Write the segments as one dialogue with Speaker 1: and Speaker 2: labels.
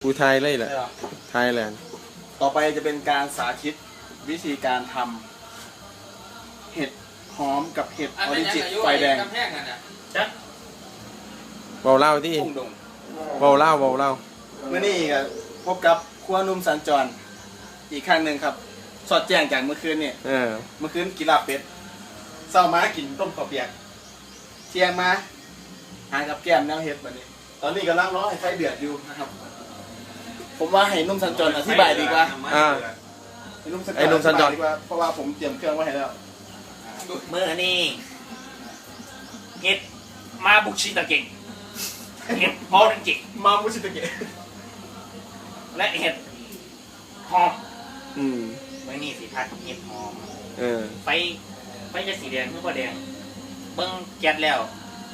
Speaker 1: กูไทยเลยแหละไทยแลนด์
Speaker 2: ต่อไปจะเป็นการสาธิตวิธีการทำเห็ดหอมกับเห็ดออริจินไฟแดง
Speaker 3: จัก
Speaker 1: เบาเล่าที่
Speaker 2: พุ่งดง
Speaker 1: เบาเล่า
Speaker 2: เมื่อนี้ก็พบกับครัวนุ่มสัญจรอีกครั้งหนึ่งครับ สอดแจ้งจากเมื่อคืนนี่เมื่อคืนกินลาบเป็ดเช้ามากินต้มข้าวเปียกเที่ยงมาหากับแก้มแนวเห็ดแบบนี้ ตอนนี้กำลังรอให้ไฟเดือดอยู่นะครับ ผมว่าให้นุ่มสัญจรอธิบายดีกว่าให้นุ่มสัญจรดีกว่าเพราะว่าผมเตรียมเครื่องไว้ให้แล้ว
Speaker 3: เมื่อนี่เห็ดมาบุกชิตะเก่งเห็ดพอดังจิก
Speaker 2: มามุชิตะเกะ
Speaker 3: และเห็ดหอม
Speaker 1: อืม
Speaker 3: เมื่อนี่สิพัดเห็ดหอม ไปจะสีแดงเมื่อพอแดงเบิ้งแก๊สแล้ว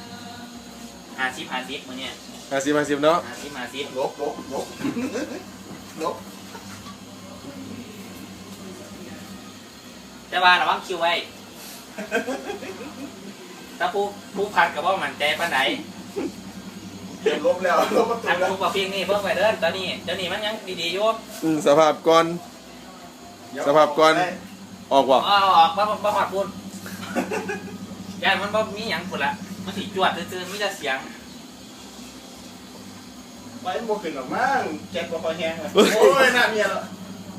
Speaker 3: 50มื่อเนี่ย
Speaker 1: 50เนาะ
Speaker 3: 50
Speaker 2: ลบ
Speaker 3: แต่ว่าระวังคิวไว้ถ้าผู้พัดกับว่ามันใจปานไหน
Speaker 2: ลบแล้วลบประตู
Speaker 3: อัน
Speaker 2: แล้ว
Speaker 3: ผู้ประเพียงนี่เพิ่งไปเดินตอนนี้เดี๋ยวนี้มันยังดีๆอยู่
Speaker 1: สภาพก่อนออกว่ะ
Speaker 3: ออกบ่หอดพูดย่านมันบ่มีหยังพุ่นละมันสิจวดซื่อๆมีแต่เสียง
Speaker 2: ไปโมขึ้นหรอกมั้งแจ็คบอกคอยแห้งเลยโอ้ยน่าเมียแล้ว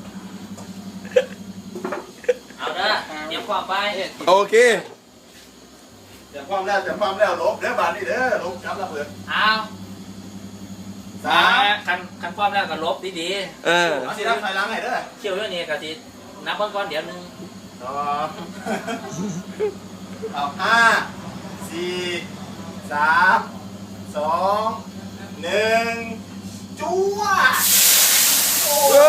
Speaker 3: เอาเด้อเตรียมความไป
Speaker 1: โอเค
Speaker 2: เดี๋ยวความแล้วลบเด้อบานนี่เด้อลบครับระเบิด
Speaker 3: เอาคันความแล้วก็ลบดี
Speaker 2: เอาสิรับไฟล้างให้เด้อ
Speaker 3: ๆเที่ยวเรื่องนี้ก็สินับเบิ่งก่อนเดี๋ยวนึง
Speaker 2: เอา5 4 3 2 1จ้วโอ้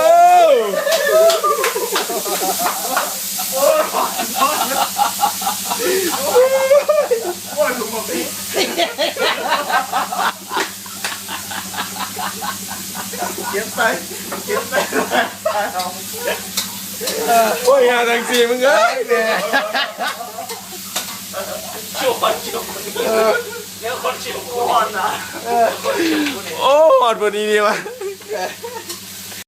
Speaker 2: ยถุงแบบนี้เก็บไป
Speaker 1: โอ้ยหาทางสีมึงเอ้ย
Speaker 3: ชิวคนเร็วคนชิวกู
Speaker 2: ก่อนนะ
Speaker 1: โอ้หอดพอดีดีวะ